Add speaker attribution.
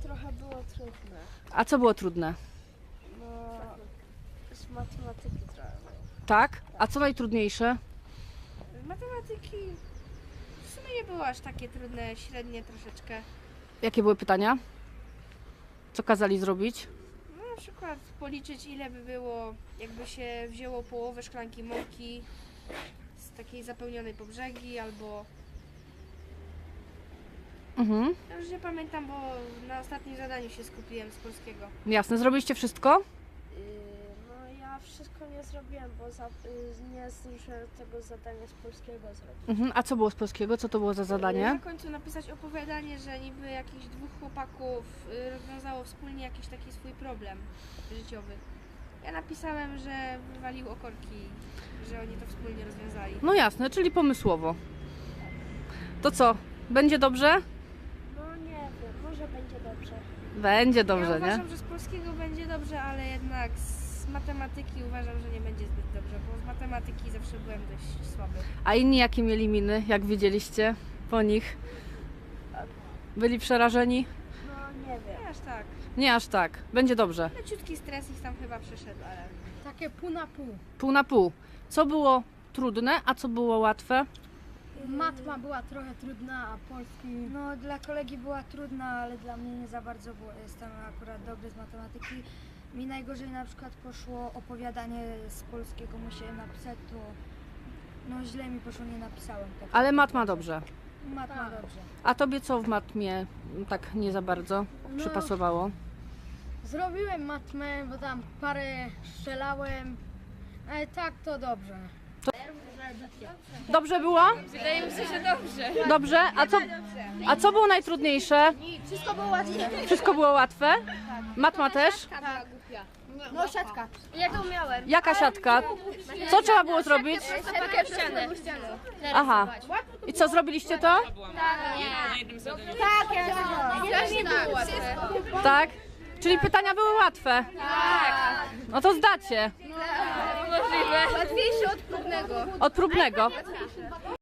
Speaker 1: trochę było trudne.
Speaker 2: A co było trudne?
Speaker 1: No, z matematyki trochę było.
Speaker 2: Tak? A co najtrudniejsze?
Speaker 3: Matematyki w sumie nie było aż takie trudne, średnie troszeczkę.
Speaker 2: Jakie były pytania? Co kazali zrobić?
Speaker 3: No na przykład policzyć ile by było, jakby się wzięło połowę szklanki mąki z takiej zapełnionej po brzegi, albo...
Speaker 2: Mhm.
Speaker 3: Ja już nie pamiętam, bo na ostatnim zadaniu się skupiłem z polskiego.
Speaker 2: Jasne, zrobiliście wszystko?
Speaker 1: No ja wszystko nie zrobiłem, bo nie zdążyłem tego zadania z polskiego zrobić.
Speaker 2: Mhm. A co było z polskiego? Co to było za
Speaker 3: Na
Speaker 2: zadanie?
Speaker 3: końcu napisać opowiadanie, że niby jakichś dwóch chłopaków rozwiązało wspólnie jakiś taki swój problem życiowy. Ja napisałem, że wywaliło korki, że oni to wspólnie rozwiązali.
Speaker 2: No jasne, czyli pomysłowo. To co? Będzie dobrze?
Speaker 1: No nie wiem, może będzie dobrze.
Speaker 2: Będzie
Speaker 3: Ja
Speaker 2: dobrze, nie?
Speaker 3: uważam, że z polskiego będzie dobrze, ale jednak z matematyki uważam, że nie będzie zbyt dobrze, bo z matematyki zawsze byłem dość słaby.
Speaker 2: A inni jakie mieli miny, jak widzieliście po nich? Byli przerażeni?
Speaker 1: No nie wiem.
Speaker 3: Nie aż tak.
Speaker 2: Nie aż tak. Będzie dobrze.
Speaker 3: Leciutki stres ich tam chyba przeszedł, ale...
Speaker 4: Takie pół na pół.
Speaker 2: Pół na pół. Co było trudne, a co było łatwe?
Speaker 4: Matma była trochę trudna, a polski...
Speaker 5: No dla kolegi była trudna, ale dla mnie nie za bardzo, bo jestem akurat dobry z matematyki. Mi najgorzej na przykład poszło opowiadanie z polskiego, musiałem napisać, to no źle mi poszło, nie napisałem tego.
Speaker 2: Ale matma dobrze.
Speaker 5: Matma dobrze.
Speaker 2: A tobie co w matmie tak nie za bardzo przypasowało?
Speaker 4: Zrobiłem matmę, bo tam parę strzelałem, ale tak to dobrze.
Speaker 2: Dobrze było?
Speaker 3: Wydaje mi się, że dobrze.
Speaker 2: Dobrze? A co było najtrudniejsze?
Speaker 4: Wszystko było łatwe.
Speaker 2: Wszystko było łatwe? Matma też?
Speaker 4: No siatka. Ja to umiałem.
Speaker 2: Jaka siatka? Co trzeba było zrobić?
Speaker 4: Siatkę w ścianę.
Speaker 2: Aha. I co, zrobiliście to?
Speaker 4: Tak, ja nie było łatwe.
Speaker 2: Tak? Czyli pytania były łatwe? Tak. No to zdacie.
Speaker 4: Możliwe. Łatwiejsze od próbnego.
Speaker 2: Od próbnego.